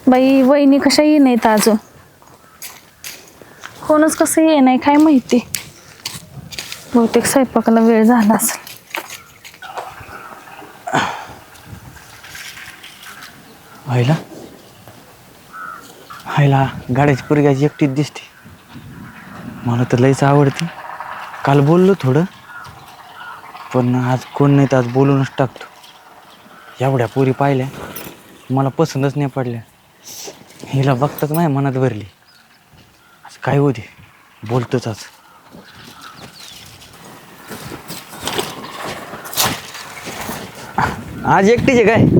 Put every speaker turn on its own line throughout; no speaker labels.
बाई वहिनी कशा ये नाहीत अजून. कोणच कसं ये नाही काय माहिती. बहुतेक स्वयंपाकाला वेळ झाला असेल.
हायला गाड्याची पोरगी एकटीच दिसते. मला तर लईच आवडते. काल बोललो थोडं, पण आज कोण नाही तर आज बोलूनच टाकतो. एवढ्या पोरी पाहिल्या मला पसंतच नाही पडल्या. हिला बघताच माझ्या मनात भरली. आज काय होते बोलतोच आज. आज एकटीच आहे काय?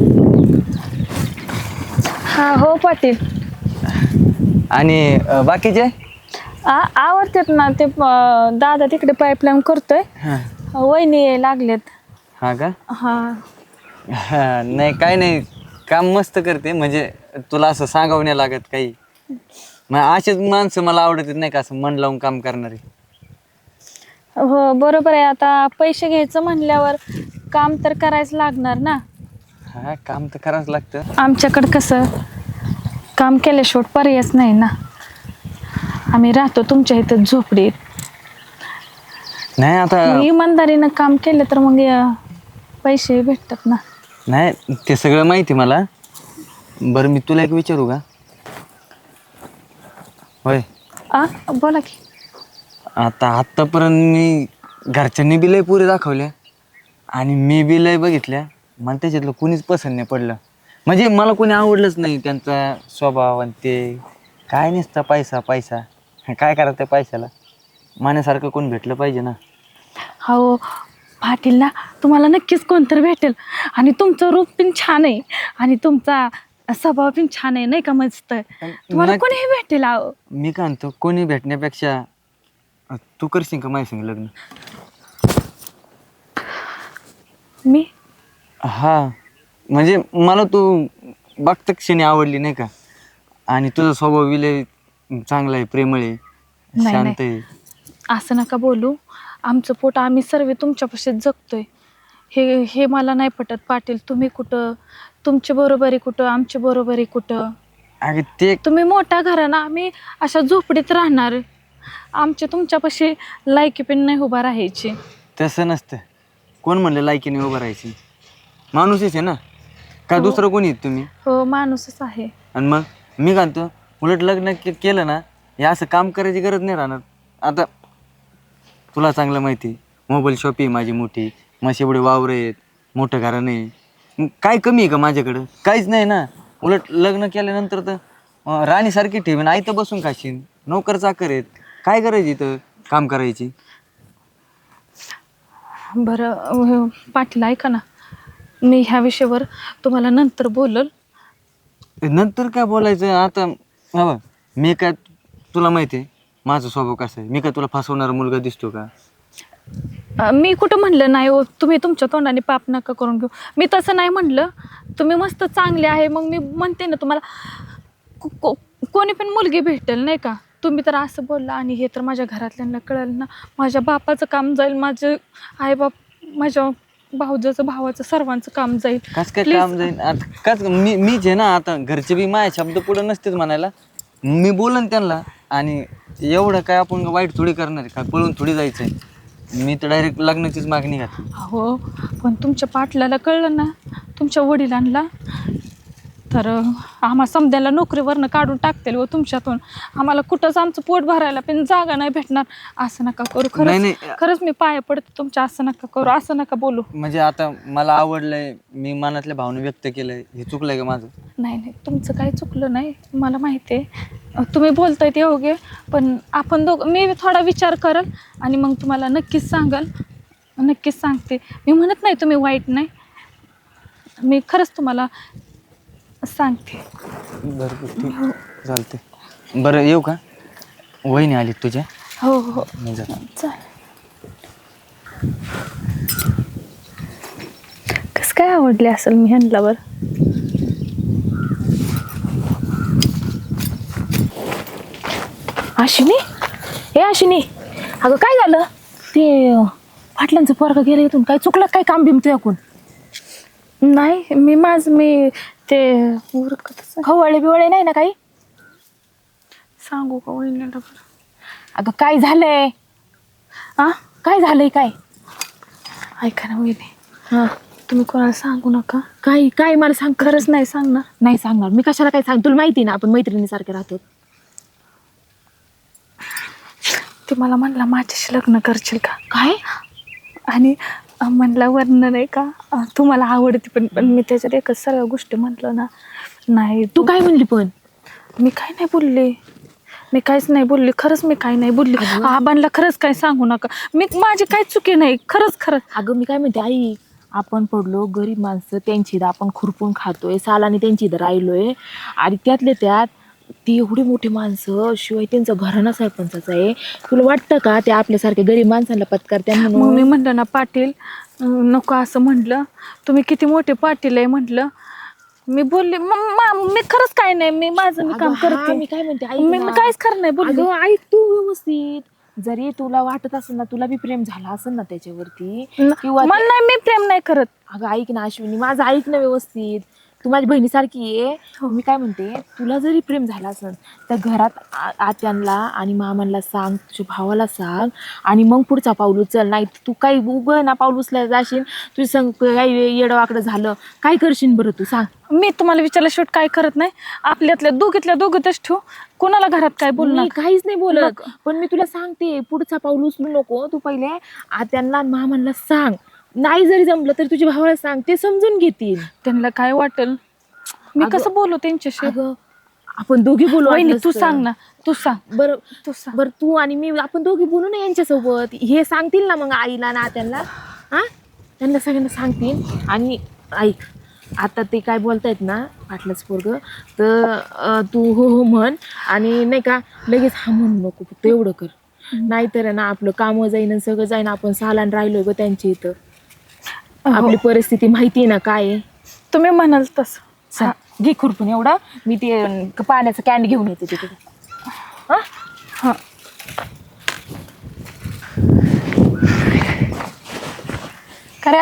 हा हो पाटील.
आणि बाकीचे?
आवडतात ना ते. दादा तिकडे पाईपलाईन करतोय. वहिनी लागलेत.
हा का?
हा
हा नाही काय नाही, काम मस्त करते. म्हणजे तुला असं सांगावं नाही लागत काही. मग असेच माणसं मला आवडत नाही का, असं मन लावून काम करणारे.
हो बरोबर आहे. आता पैसे घ्यायचं म्हणल्यावर काम तर करायचं लागणार ना.
हा काम तर करावंच लागतं.
आमच्याकडं कसं काम केल्याशिवाय पर्यायच नाही ना. आम्ही राहतो तुमच्या इथं झोपडीत.
नाही आता
मग इमानदारीनं काम केलं तर मग पैसे भेटतात ना.
नाही ते सगळं माहिती मला. बरं मी तुला एक विचारू का? होय.
बोला की.
आता आत्तापर्यंत मी घरच्यांनी बी लय पुरे दाखवल्या आणि मी बी लय बघितल्या. मला त्याच्यातलं कुणीच पसंत नाही पडलं. म्हणजे मला कोणी आवडलंच नाही. त्यांचा स्वभाव आणि ते काय नसतं पैसा पैसा. काय करायचं त्या पैशाला? माण्यासारखं कोण भेटलं पाहिजे ना.
हो पाटील ना, तुम्हाला नक्कीच कोणतरी भेटेल. आणि तुमचं रूप पण छान आहे आणि तुमचा स्वभाव पण छान आहे नाही का. मस्त तुम्हाला कोणीही भेटेल.
मी काय म्हणतो, कोणी भेटण्यापेक्षा तू करशील का माझ्या संग लग्न?
मी
हा म्हणजे मला तू बघता क्षणी आवडली नाही का. आणि तुझा स्वभाव विलय चांगला आहे, प्रेमळ आहे, शांत आहे.
असं नका बोलू. आमचं पोट आम्ही सर्व तुमच्यापाशीच जगतोय. हे हे मला नाही पटत पाटील. तुम्ही कुठं, तुमची बरोबरी कुठं, आमची बरोबरी कुठं.
अगं ते
तुम्ही मोठा घराणा, आम्ही अशा झोपडीत राहणार. आमच्या तुमच्यापाशी लायकी पण नाही उभा राहायची.
तसं नसतं. कोण म्हणलं लायकीने उभं राहायची? माणूसच आहे ना का दुसरं कोणी आहेत तुम्ही?
हो माणूसच आहे.
आणि मग मी काय म्हणतो, उलट लग्न केलं ना, हे असं काम करायची गरज नाही राहणार. आता तुला चांगलं माहिती, मोबाईल शॉप आहे माझी मोठी, मग एवढे वावर आहेत, मोठं घराणं आहे. काय कमी आहे का माझ्याकडं? काहीच नाही ना. उलट लग्न केल्यानंतर तर राणीसारखी ठेवीन, आई तर बसून खाशीन. नोकर चाकर आहेत, काय करायची इथं काम करायची?
बरं पाटील ऐका ना, मी ह्या विषयावर तुम्हाला नंतर बोलल.
नंतर काय बोलायचं आता? बाबा मी काय, तुला माहिती आहे माझा स्वभाव कसा आहे. मी काय तुला फसवणारा मुलगा दिसतो का?
मी कुठं म्हणलं नाही हो. तुम्ही तुमच्या तोंडाने पाप नका करून घेऊ. मी तसं नाही म्हणलं. तुम्ही मस्त चांगले आहे. मग मी म्हणते ना तुम्हाला कोणी पण मुलगी भेटेल नाही का. तुम्ही तर असं बोलला आणि हे तर माझ्या घरातल्यांना कळलं ना. माझ्या बापाचं काम जाईल, माझे आईबाप, माझ्या भाऊजाचं, भावाचं, सर्वांचं काम जाईल.
कस काय काम जाईल? आता कस मीच आहे ना. आता घरचे बी माझ्या शब्द पुढे नसतेच म्हणायला. मी बोलन त्यांना. आणि एवढं काय आपण वाईट थोडी करणार आहे का, पळून थोडी जायचं आहे. मी तर डायरेक्ट लग्नाचीच मागणी घातली.
हो पण तुमच्या पाटलाला कळलं ना, तुमच्या वडिलांना, तर आम्हा समद्याला नोकरीवरनं काढून टाकतील व तुमच्यातून. आम्हाला कुठंच आमचं पोट भरायला पण जागा नाही भेटणार. असं नका करू. खरंच मी पाया पडते तुमच्या. असं नका करू, असं नका बोलू.
म्हणजे आता मला आवडलंय, मी मनातल्या भावना व्यक्त केलंय, हे चुकलंय का माझं?
नाही नाही तुमचं काही चुकलं नाही. मला माहिती आहे तुम्ही बोलताय ते योग्य. पण आपण मी थोडा विचार करल आणि मग तुम्हाला नक्कीच सांगल. नक्कीच सांगते. मी म्हणत नाही तुम्ही वाईट नाही. मी खरंच तुम्हाला सांगते.
बरं ठीक चालते. बरं येऊ का? वहिनी आली तुझ्या?
हो हो
मी जातो.
चालेल. कसं काय आवडले असेल मी ह्यांच्यावर. आशिनी, हे आशिनी, अगं काय झालं? ते पाटलांचं पोरगं गेलं इथून. काय चुकलं काय काम बिम तुझ्याकडून? नाही मी ते उरकतच
खवळे बिवळे नाही ना काही?
सांगू का वहिनीला बरं?
अगं काय झालंय?
आ
काय झालंय काय?
ऐका ना वहिनी,
हा
तुम्ही कोणाला सांगू नका.
काय काय मला सांग.
खरंच नाही सांगणार.
नाही सांगणार मी. कशाला काय सांग? तुला माहिती ना आपण मैत्रिणीसारखे राहतो.
ते मला म्हणला माझ्याशी लग्न करशील का?
काय?
आणि म्हणला वर्ण नाही का तुम्हाला आवडते पण मी त्याच्यात एकच सर्व गोष्टी म्हटलं ना. नाही
तू काय म्हणली पण?
मी काय नाही बोलले. मी काहीच नाही बोलले. खरंच मी काही नाही बोलले. आबांना खरंच काय सांगू नका. माझी काही चुकी नाही. खरंच.
अगं मी काय म्हणते आई, आपण पडलो गरीब माणसं, त्यांची इथं आपण खुरपून खातोय, सालानी त्यांची इथं राहिलोय. आणि त्यातले त्यात ती एवढी मोठी माणसं, शिवाय त्यांचं घराणा सरपंचाचं आहे. तुला वाटतं का ते आपल्यासारख्या गरीब माणसांना पत्कारत्या
मग
म्हणून?
मी म्हटलं ना पाटील नको असं म्हटलं. तुम्ही किती मोठे पाटील आहे म्हटलं. मी बोलले मी खरंच काय नाही. मी माझं मी काम करते.
मी काय म्हणते ऐक
मी
ना.
काहीच खरं नाही बोलले.
अगं ऐक तू व्यवस्थित. जरी तुला वाटत असेल ना, तुला बी प्रेम झाला असेल ना त्याच्यावरती, किंवा
मला नाही, मी प्रेम नाही करत.
अगं ऐक ना अश्विनी, माझं ऐक ना व्यवस्थित. तू माझ्या बहिणीसारखी आहे. मी काय म्हणते, तुला जरी प्रेम झालं असेल तर घरात आत्यांना आणि मामांना सांग, तुझ्या भावाला सांग, आणि मग पुढचा पाऊल उचल. नाही तू काही उभं ना पाऊल उचलायला जाशील, तुझं संग काही येडवाकडं झालं, काय करशील बरं तू सांग?
मी तुम्हाला विचारलं शेवट काय करत नाही. आपल्यातल्या दोघीतच ठेवू. कोणाला घरात काय बोलणार?
मी काहीच नाही बोलत, पण मी तुला सांगते पुढचा पाऊल उचलू नको. तू पहिले आत्यांना आणि मामांना सांग. नाही जरी जमलं तर तुझ्या भावाला सांग, ते समजून घेतील.
त्यांना काय वाटेल? मी कसं बोलू त्यांच्याशी?
अगं आपण दोघी बोलू.
वहिनी,
वाटलंस
तू
तर.
सांग ना. तू सांग.
बरं
तू सांग.
बरं तू आणि मी आपण दोघी बोलू ना यांच्यासोबत. हे सांगतील ना मग आईला ना त्यांना. हा त्यांना सगळ्यांना सांगतील. आणि ऐक, आता ते काय बोलतायत ना पाटलाच पोरग, तर तू हो हो म्हण. आणि नाही का लगेच हा म्हणू नको, फक्त एवढं कर. नाहीतर ना आपलं कामं जाईन आणि सगळं जाईन. आपण सालान राहिलोय ग त्यांच्या इथं. आपली परिस्थिती माहिती आहे ना काय आहे.
तुम्ही म्हणाल तसं.
चल, घे खुरपून एवढं. मी ते पाण्याचं कॅन घेऊन येते तिथे. हा
हा. खरे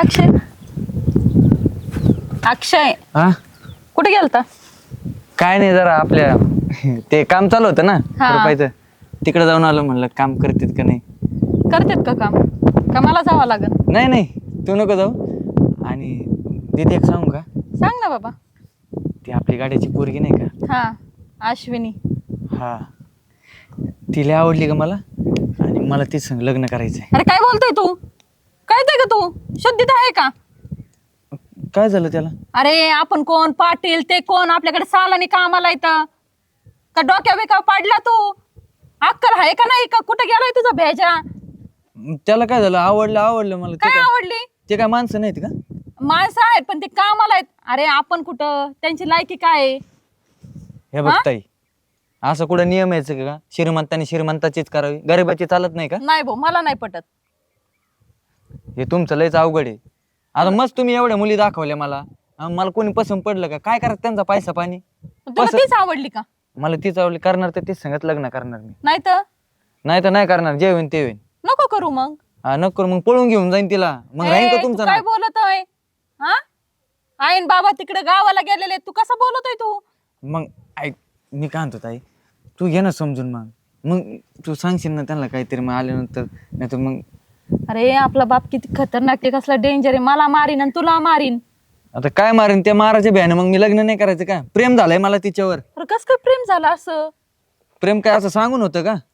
अक्षय
हा
कुठे गेलता?
काय नाही, जरा आपल्या ते काम चालू होतं ना
हा.
रुपायचं, तिकडे जाऊन आलो. म्हणलं काम करतेत का नाही.
करतेत का काम? का मला जावं लागेल?
नाही तू नको जाऊ. आणि दीदी एक सांगू का?
सांग ना बाबा.
ती आपली गाड्याची पोरगी नाही का?
हा, अश्विनी.
हा, तिला आवडली का मला, आणि मला तीच संग लग्न करायचंय.
अरे काय बोलतोय तू? कळतंय का तू? शुद्धीत आहे का?
काय झालं त्याला?
अरे आपण कोण? पाटील ते कोण? आपल्याकडे सालानी कामाला येतं का? डोक्या बिका पाडला तू? अक्कल आहे का नाही का? कुठे गेलाय तुझा भेजा?
त्याला काय झालं? आवडलं मला.
काय आवडली?
ते काय माणसं नाहीत का?
माणसं आहेत पण ते कामाला आहेत. अरे आपण कुठं? त्यांची लायकी काय आहे?
हे बघ ताई, असं कुठं नियम यायचं का? श्रीमंतांनी श्रीमंताचीच करावी, गरीबाची चालत नाही का?
नाही भाऊ, मला नाही पटत.
हे तुमचं लयच अवघड आहे. आता मस्त तुम्ही एवढ्या मुली दाखवल्या मला, मला कोणी पसंत पडलं का? काय करत त्यांचा पैसा पाणी?
तुला तीच आवडली का?
मला तीच आवडली. करणार तर तीच संगत लग्न करणार मी.
नाही तर
नाही करणार. जे होईन ते होईन.
नको करू मग.
हा नको, मग पळून घेऊन जाईन तिला. मग राहीन का
तू
तुमचं
काय
नाव?
बोलतोय? हा, आईन बाबा तिकडे गावाला गेलेले, तू कसं बोलतोय तू?
मग ऐक, मी काय म्हणतो ताई, तू घे ना समजून. मग तू सांगशील ना त्यांना काहीतरी, मग आल्यानंतर. नाही तर मग
अरे आपला बाप किती खतरनाक आहे, कसला डेंजर आहे. मला मारीन आणि तुला मारीन.
आता काय मारेन त्या माराच्या भ्याने. मग मी लग्न नाही करायचं का? प्रेम झालंय मला तिच्यावर.
अरे कसं काय प्रेम झालं असं?
प्रेम काय असं सांगून होतं का?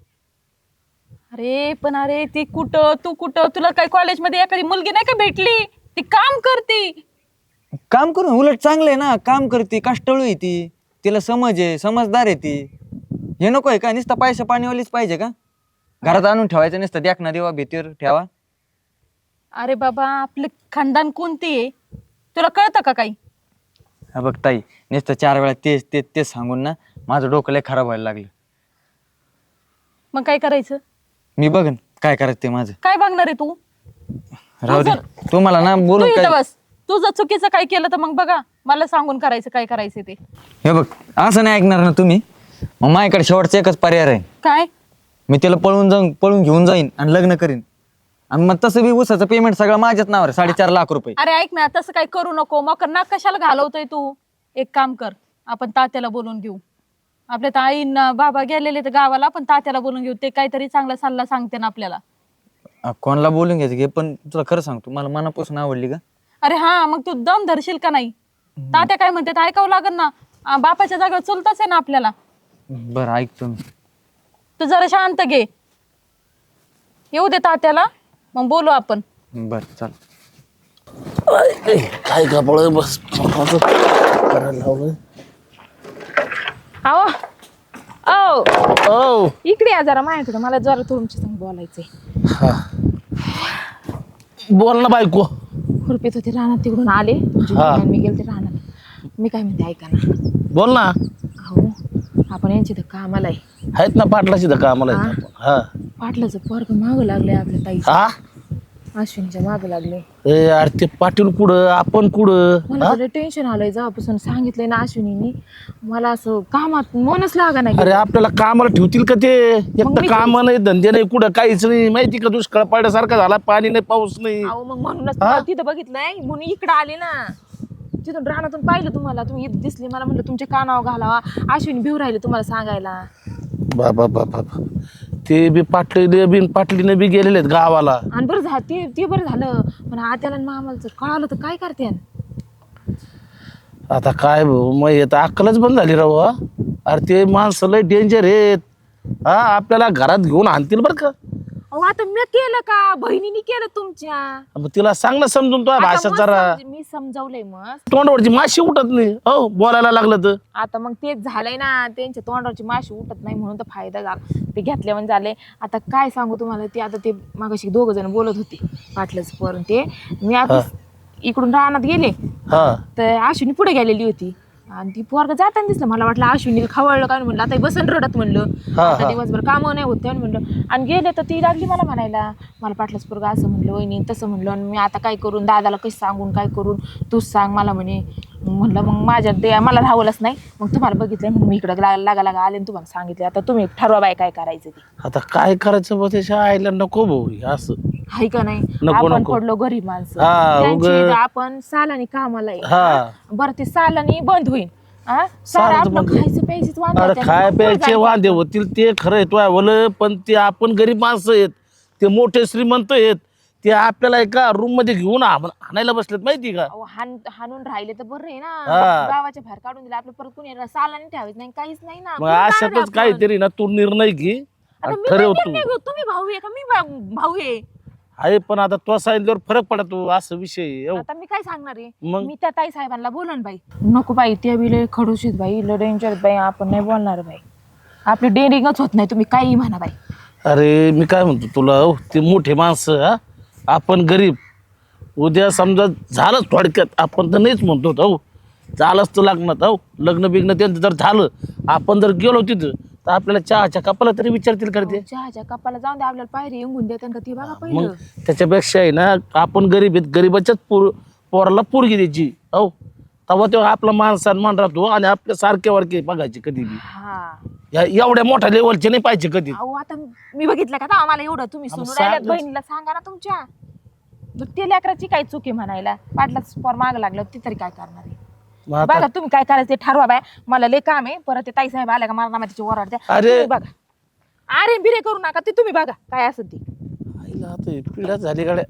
अरे ती कुठं, तू कुठं? तुला काय कॉलेजमध्ये एखादी मुलगी नाही का भेटली? ती काम करते.
काम करून उलट चांगलं आहे ना. काम करते, कष्टाळू आहे ती, तिला समज आहे, समजदार आहे ती. हे नको आहे का? नुसतं पैसा पाणीवालीच पाहिजे का? घरात आणून ठेवायचं नुसतं, देखना देवा भीतीवर ठेवा.
अरे बाबा, आपलं खानदान कोणती आहे तुला कळतं का काही?
हा बघ ताई, नुसतं 4 वेळा तेच सांगून ना माझं डोकं लय खराब व्हायला लागलं.
मग काय करायचं?
मी बघन काय करायचं ते माझं.
काय बघणार आहे तू?
राहू दे, तू मला ना
तू
बोलू
इथं
काय.
बस. तू जर चुकीचं काय केलं तर मग बघा, मला सांगून करायचं काय करायचं ते.
हे बघ, असं नाही ऐकणार ना तुम्ही. मग माझ्याकडे शेवटचा एकच पर्याय आहे.
काय?
मी तिला पळून घेऊन जाईन आणि लग्न करीन. आणि मग तसं बी ऊसाचं पेमेंट सगळं माझ्याच नावावर आहे, 4.5 लाख रुपये.
अरे ऐक ना, तसं काही करू नको. मग ना कशाला घालवतोय तू? एक काम कर, आपण तात्याला बोलून घेऊ. आपल्या तर आईंना बाबा गेलेले तर गावाला, आपण तात्याला बोलून घेऊ. ते काहीतरी चांगला सल्ला सांगते ना आपल्याला.
कोणाला बोलून घ्यायचं घे, पण तुला खरं सांगतो मला मनापासून आवडली का.
अरे हा, मग तू दम धरशील का नाही? तात्या काय म्हणते ते ऐकावं लागेल ना. बापाच्या जागेवर चुलताच आहे ना आपल्याला.
बरं ऐकतो मी.
तू जरा शांत घे, येऊ दे तात्याला, मग बोलू आपण.
बरं चाल.
काय कपड बस करायला लावलं.
अहो अहो
ओ
इकडे या जरा माझ्याकडे, मला जरा तुमच्या संग बोलायचंय.
हा बोल ना बायको.
खुरपीत होते रानात, तिकडून आले तुमची
हा.
बहीण, मी गेलते रानात. मी काय म्हणते ऐका ना.
बोल ना.
अहो आपण यांची तर कामाला आहे.
आहेत ना पाटलाची तर कामाला आहेत आपण. हा
पाटलाचं पोरग मागं लागलंय आपल्या ताईच्या,
हा
अश्विनीच्या मागं लागले.
ए अरे ते पाटील कुठं आपण कुठं.
मला
हा?
तर टेन्शन आलंय जेव्हापासून सांगितलंय ना अश्विनीनी. मला असं कामात मनच लागा नाही.
अरे आपल्याला कामाला ठेवतील का ते? एक
मग
तर
मी
काम नाही, धंदे नाही, कुठं काहीच नाही. माहिती का दुष्काळ पडल्यासारखा झाला, पाणी नाही, पाऊस नाही.
अहो मग म्हणूनच तुम्हाला तिथं बघितलंय, म्हणून इकडं आले ना. तिथून रानातून पाहिलं तुम्हाला, तुम्ही इथं दिसले. मला म्हणलं तुमच्या कानावर घालावा, अश्विनी भिव राहिले तुम्हाला सांगायला.
बाबा बाबा ते बी पाटली बी पाटलीने बी गेलेले आहेत गावाला.
आणि बरं झालं ते बरं झालं. पण आत्याला आणि मामाला जर कळालं तर काय करते?
आता काय भाऊ, मग येतं अक्कलच बंद झाली राव. हा? अरे ते माणसं लय डेंजर आहेत. हा आपल्याला घरात घेऊन आणतील बरं का.
अहो आता मी केलं का? बहिणीने केलं तुमच्या.
मग तिला सांग ना समजून तो
आता
भाषा
मग
जरा.
मी समजावलंय मग.
तोंडवरची माशी उठत नाही हो बोलायला लागलं तर.
आता मग तेच झालंय ना, त्यांच्या तोंडावरची माशी उठत नाही म्हणून तर फायदा झाला. ते घेतल्या म्हणजे झाले. आता काय सांगू तुम्हाला, ते आता ते मागाशी 2 जण बोलत होते पाटलंच पोर. ते मी आता इकडून रानात गेले
हा
तर अश्विनी पुढे गेलेली होती. आणि ती पोरग जाताना दिसलं. मला वाटलं अश्विनीला खवळलं काय म्हणलं, आता बसन रडत म्हणलं. आता दिवसभर कामं नाही होत म्हणलं. आणि गेले तर ती लागली मला म्हणायला, मला पाटलाच पोरग असं म्हणलं, वहिनी तसं म्हणलं. आणि मी आता काय करून, दादाला कसं सांगून काय करून, तूच सांग मला म्हणे. म्हणलं मग माझ्या मला राहवलंच नाही. मग तुम्हाला बघितलं म्हणून मी इकडं लागा आले आणि तुम्हाला सांगितलं. आता तुम्ही ठरवा बाय काय करायचं ते.
आता काय करायचं बा त्याच्या आईला नको भाऊ असं.
हाय का नाही?
नको,
आपण
नको.
पडलो गरीब माणसं.
हा,
त्यांची आपण सालानी कामाला आहे.
हा.
बरं ते सालानी बंद होईल.
सालाचं
आपलं
बंद.
खायचं प्यायचीच वांदे
अरे
आहेत.
खाय
मग
प्यायचे
जायचं.
वांदे होतील ते खरं आहे तो बोल. पण ते आपण गरीब माणसं आहेत, ते मोठे श्रीमंत आहेत. ते आपल्याला एका रूम मध्ये घेऊन आणायला बसलेत माहिती का.
अहो, हाणून राहिले तर बरं आहे ना.
हा.
गावाच्या बाहेर काढून दिलं आपलं, परत कुणी सालानी ठेवायचं नाही, काहीच नाही ना.
मग
कुणी काढायचं
अशातच
आपण?
काहीतरी ना तू निर्णय घे
आता मी
ठरव
काय
तू.
निर्णय घेऊ? तुम्ही भाऊ आहे का मी भाऊ आहे?
आहे पण आता तो सांगितल्यावर फरक पडतो असं विषय आहे. हो.
आता मी काय सांगणार आहे?
मग?
मी त्या ताई साहेबांना बोलन बाई. नको बाई, ते बिले खडूशीत बाई, लय डेंजर बाई. आपण नाही बोलणार बाई, आपली डेअरिंगच होत नाही. तुम्ही काही म्हणा बाई.
अरे मी काय म्हणतो तुला, हो ते मोठे माणसं हा, आपण गरीब. उद्या समजा झालंच थोडक्यात, आपण तर नाहीच म्हणतो हो, झालंच तर लग्नात हो, लग्न बिग्न त्यांचं जर झालं, आपण जर गेलो तिथं तर आपल्याला चहाच्या कपाला तरी विचारतील करते.
चहाच्या कपाला जाऊन दे, आपल्याला पायरी येऊन देतात का ते बघा
मग
पहिलं.
त्याच्यापेक्षा आहे ना, आपण गरीब आहेत, गरीबाच्याच पोराला पोरगी द्यायची हो, तेव्हा तेव्हा आपला मान सन्मान राहतो. आणि आपल्या सारखे वारखे बघायचे कधी बी.
हा
एवढ्या मोठ्या लेवलचे नाही पाहिजे कधी.
अहो आता मी बघितलं का आता आम्हाला एवढं तुम्ही
आम्ही
सुनू राहिल्यात,
सांगतोच.
बहिणीला सांगा ना तुमच्या. मग ते लेकराची काय चुकी म्हणायला, पाटलाच पोर माग लागलं ती तरी काय करणार आहे?
मग आता
बघा तुम्ही काय करायचं ते ठरवा बाय. मला लय काम आहे. परत ते ताई साहेब आल्या का मला नामाची ओरडते.
अरे.
तुम्ही बघा, अरे बिरे करू नका, ते तुम्ही बघा काय असं ते.
आईला आता हे पिढ्या झाली गाड्या.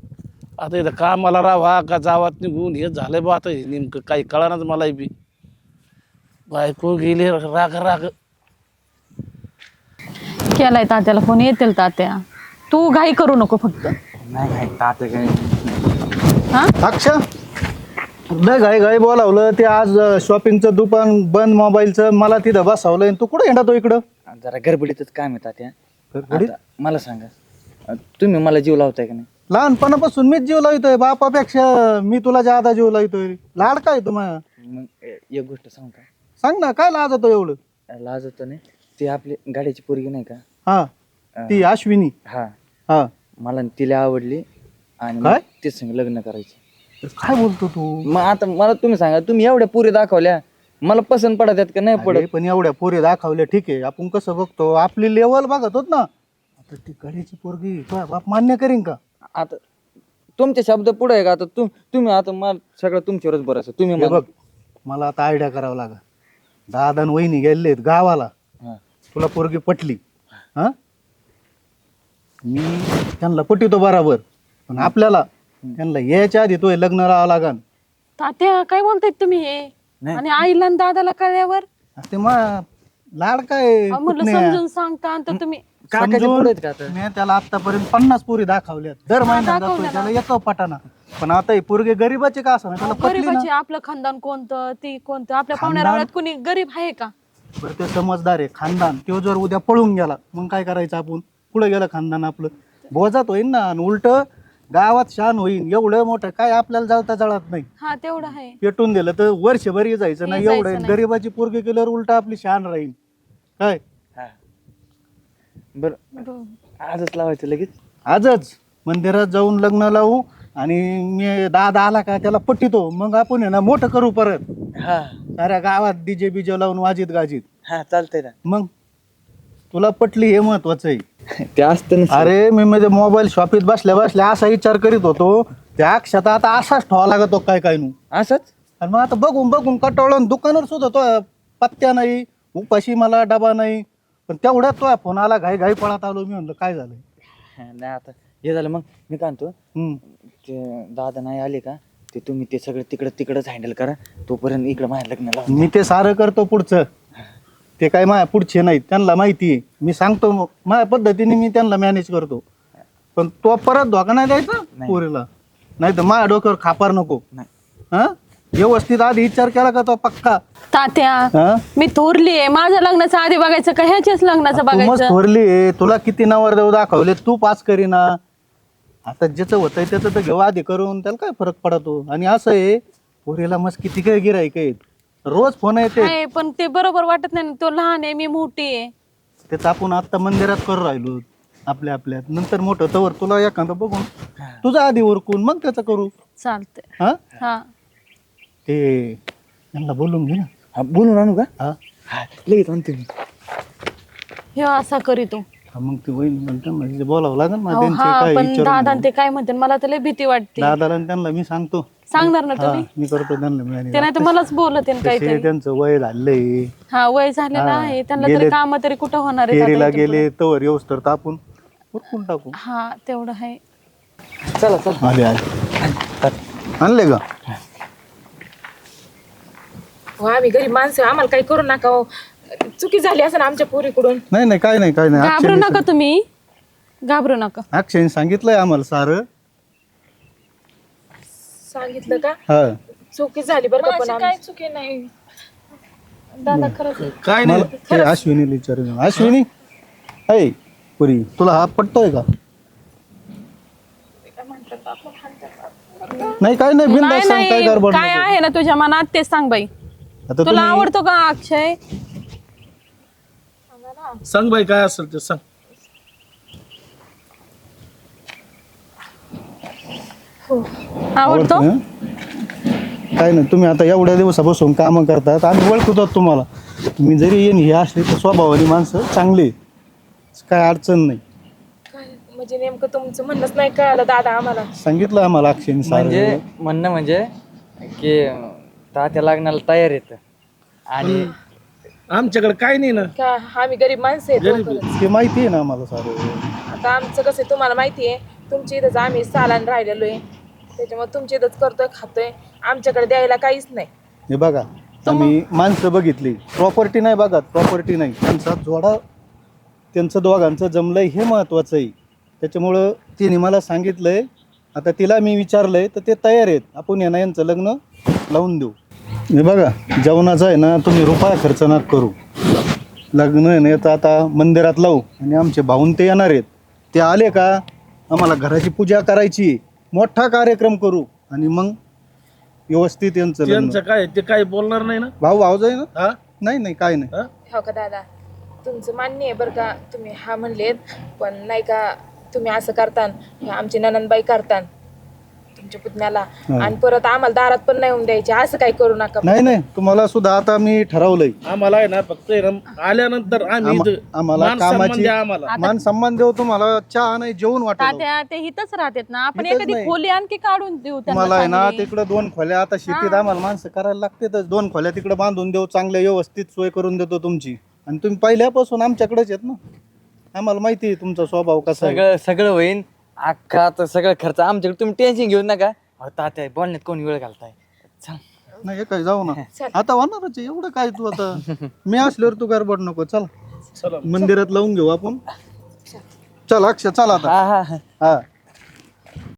आता इथं कामाला राहा का जावात निघून हे झालंय बा. आता हे नेमकं काही कळणार मला बी. बायको गेली राग.
केलाय तात्याला फोन, येतील तात्या. तू घाई करू नको फक्त.
नाही काय तात्या काय.
अक्षा लय घाई घाई बोलावलं. ते आज शॉपिंगचं दुकान बंद, मोबाईलचं. मला तिथं बसवलंय. तू कुठे येणार तो इकडं?
जरा गडबडीतच काम आहे तात्या.
गडबडीत?
आता मला सांगा, तुम्ही मला जीव लावताय का नाही?
लहानपणापासून मीच जीव लावतोय. बापापेक्षा मी तुला ज्यादा जीव लावतोय. लाड काय तुम्हाला?
मग एक गोष्ट सांगू का?
सांग ना, काय लाजतो एवढं?
लाज होतं नाही, ती आपली गाड्याची पोरगी नाही का?
हा, ती अश्विनी.
हा,
हा,
मला तिला आवडली आणि
काय?
ते संग लग्न करायचं.
काय बोलतो तू?
मग आता मला तुम्ही सांगा, तुम्ही एवढ्या पुरी दाखवल्या, मला पसंत पडत आहेत का नाही
अरे,
पडत?
पण एवढ्या पोरी दाखवल्या ठीक आहे. आपण कसं बघतो, आपली लेवल बघत होत ना. आता ती गाडीची पोरगी तुझा बाप मान्य करीन का?
आता तुमचे शब्द पुढे आहे का आता तुम्ही आता मला सगळं तुमच्यावरच बरं असं तुम्ही
हे बघ मला आता आयडिया करावं लागेल. दादा आणि वहिनी गेलेत गावाला,
हा.
तुला पोरगी पटली, हा मी त्यांना पटितो बराबर, पण आपल्याला त्यांना यायच्या आधी तो लग्न राहावं लागन.
तात्या काय बोलतायत तुम्ही हे?
नाही.
आणि आईला आणि दादाला कळल्यावर
ते मग लाड काय
म्हणलं
कुठल्या?
समजून सांगता आणि तर तुम्ही
काकाच्या
समजून
पुढे आहेत का आता?
मी त्याला आतापर्यंत 50 पोरी दाखवल्यात, दर महिन्यात जातोय त्याला येतो पटाना, पण आता हे पोरगे गरीबाचे का असं त्याला पटली ना.
गरीबाचे आपलं खानदान कोणतं ती कोणतं आपल्या पाहुण्यारावळ्यात कोणी गरीब आहे का?
बरं ते समजदार आहे खानदान. तो जर उद्या पळून गेला मग काय करायचं आपण? पुढे गेलं खानदान आपलं बोजात होईन ना, आणि उलट गावात शान होईन. एवढं मोठं काय आपल्याला जळता जळत नाही,
हा तेवढं आहे.
पेटून दिलं तर वर्षभर जायचं नाही.
जायचं
एवढं आहे.
नाही.
गरीबाची पोरगी केल्यावर उलट आपली शान राहील. काय
हा. बरं आजच लावायचं लगेच.
आजच मंदिरात जाऊन लग्न लावू, आणि मी दादा आला का त्याला पट्टितो, मग आपण आहे ना मोठं करू परत.
हा
साऱ्या गावात डीजे बीजे लावून वाजित गाजीत.
हा चालतंय ना.
मग तुला पटली हे महत्वाचं आहे.
ते असतं ना.
अरे मी म्हणजे मोबाईल शॉपीत बसल्या बसल्या असा विचार करीत होतो, त्या अक्षता आता असाच ठेवा लागतो काय काय नू.
असंच
आणि मग आता बघून बघून कटाळून दुकानावर सुद्धा तो पत्त्या नाही, उपाशी मला डबा नाही. पण तेवढ्यात तो फोन आला, घाई घाई पळत आलो. मी म्हणलं काय झालं.
नाही आता हे झालं. मग मी काय म्हणतो,
हम्म.
ते दादा नाही आले का ते तुम्ही ते सगळं तिकडंच हँडल करा. तोपर्यंत इकडं माझ्या लग्न लावा.
मी ते सारं करतो पुढचं. ते काय माझ्या पुढचे नाहीत, त्यांना माहिती आहे. मी सांगतो माझ्या पद्धतीने मी त्यांना मॅनेज करतो. पण तो परत धोका नाही द्यायचा
नाही.
पोरीला, नाही तर माझ्या डोक्यावर खापार नको.
नाही.
हा व्यवस्थित आधी विचार केला का तो पक्का.
तात्या
हा
मी थोरली आहे, माझ्या लग्नाचं आधी बघायचं का ह्याच्याच लग्नाचं
तू मस्त
बघायचं?
थोरली, तुला किती नवरदेव दाखवले, तू पास करीना. आता ज्याचं होतंय त्याचं तर घेऊ आधी करून, त्याला काय फरक पडतो. आणि असं आहे पोरीला मस्त किती काय गिराईक आहेत, रोज फोन येते.
आहे, पण ते बरोबर वाटत नाही ना. तो लहान आहे, मी मोठी आहे.
त्याचं आपण आता मंदिरात करू राहिलो आपल्या आपल्यात. नंतर मोठं तवर तुला एखादं बघून तुझा आधी उरकून मग त्याचं करू.
चालतंय.
हा
हा
ते त्यांना बोलून घे ना.
हा बोलून आणू का?
हा
हा लगेच आणतो मी.
हे असा करीतो.
हा, मग ते होईल म्हणतो म्हणजे बोलावं लागेल ना.
अहो,
त्यांचे
हा
काय
पण दादा
विचारून
ते काय म्हणते मला तर लय भीती वाटते.
दादाला आणि त्यांना मी सांगतो.
सांगणार ना
हा
तुम्ही?
मी करतो त्यांना मिळाली.
ते नाही तर मलाच बोलत आहे काहीतरी.
त्यांचं वय झालंय,
हा वय झालेलं
हा,
आहे त्यांना,
गेले-
तरी काम तरी कुठं होणार आहे
फेरीला
आता इथून
गेले तवर येऊस तर आपण उरकून टाकू.
पुढं? हा तेवढं आहे.
चला चला.
आले आले आणले का?
हो आम्ही गरीब माणसं, आम्हाला काही करू नका हो. चुकी झाली असं आमच्या पोरीकडून.
नाही नाही काय नाही काय नाही.
घाबरू नका तुम्ही, घाबरू नका.
अक्षयने सांगितलंय आम्हाला सारं.
सांगितलं का?
हा
चुकी झाली बरं का, पण
काय चुकी नाही दादा, खरंच
काय नाही
मला ते अश्विनीला विचारून. अश्विनी ऐ पुरी तुला हा पटतोय का? नाही काय नाही बिंदास सांग, काय
नाही
गडबड
काय
नको.
आहे ना तुझ्या मनात ते सांग बाई.
आता
तुला
तुम्ही
आवडतो का अक्षय?
सांग बाई काय असेल ते सांग.
आवडतो?
हं? काय नाही तुम्ही आता एवढ्या दिवसापासून कामं करतात, आम्ही ओळखतो तुम्हाला. तुम्ही जरी येईन हे असले तर स्वभावानी माणसं चांगली, काय अडचण नाही.
म्हणजे नेमकं तुमचं म्हणणंच नाही कळालं दादा आम्हाला.
सांगितलं आम्हाला अक्षयने सारं.
म्हणजे म्हणणं म्हणजे की तात्या लग्नाला तयार येत आणि
आमच्याकडे काय नाही ना.
का आम्ही गरीब माणसं आहेत.
ते माहिती आहे ना आम्हाला सारं.
आता आमचं कसं आहे तुम्हाला माहिती आहे, तुमच्या इथंच आम्ही सालान राहिलेलो आहे, त्याच्यामुळे तुमच्या इथंच करतोय खातोय, आमच्याकडे द्यायला काहीच नाही.
हे बघा आम्ही माणसं बघितली, प्रॉपर्टी नाही बघा, प्रॉपर्टी नाही. त्यांचा जोडा त्यांचं दोघांचं जमलंय हे महत्वाचं आहे. त्याच्यामुळं तिने मला सांगितलंय, आता तिला मी विचारलंय तर ते तयार आहेत, आपण यांना यांचं लग्न लावून देऊ. हे बघा जेवणाचं आहे ना तुम्ही रुपया खर्च नका करू. लग्न आहे ना याचं आता मंदिरात लावू, आणि आमचे भाऊन ते येणार आहेत. ते आले का आम्हाला घराची पूजा करायची, मोठा कार्यक्रम करू, आणि मग व्यवस्थित यांचं लग्न.
त्यांचं काय ते काय बोलणार नाही ना.
भाऊ भाऊ जाई ना.
हा
नाही नाही काय नाही.
हा?
हो का दादा, तुमचं मान्य आहे बरं का, तुम्ही हा म्हणलेत, पण नाही का तुम्ही असं करतान, हे आमची ननंदबाई करतान, तुमच्या पुतण्याला आणि परत आम्हाला दारात पण नाही येऊन द्यायचे, असं काही करू नका.
नाही नाही, तुम्हाला सुद्धा आता मी ठरवलंय.
आम्हाला आहे ना फक्त आहे ना आल्यानंतर आम्ही इथं
आम्हाला
मान सन्मान
कामाची
द्या आम्हाला.
मान सन्मान देऊ तुम्हाला, चहा नाही जेवण वाटेल.
तात्या ते हिथच राहतात ना, आपण
इथंच
एखादी
नाही.
खोली आणखी काढून देऊ
तुम्हाला आहे ना
त्यांना.
तिकडे 2 खोल्या, आता शेतीत आम्हाला माणसं करायला लागतेच, 2 खोल्या तिकडे बांधून देऊ, चांगल्या व्यवस्थित सोय करून देतो तुमची. आणि तुम्ही पहिल्यापासून आमच्याकडेच येत ना, आम्हाला माहिती आहे तुमचा स्वभाव कसा आहे.
सगळं सगळं होईन अख्खा, आता सगळं खर्च आमच्याकडे, तुम्ही टेन्शन घेऊ नका. अहो, तात्या बोलण्यात कोण वेळ घालताय. चल
नाही काय जाऊ ना, आता होणारच आहे, एवढं काय तू आता मी असल्यावर तू गडबड नको. चल मंदिरात लावून घेऊ आपण. चल अक्षय चल आता.
हा हा
हा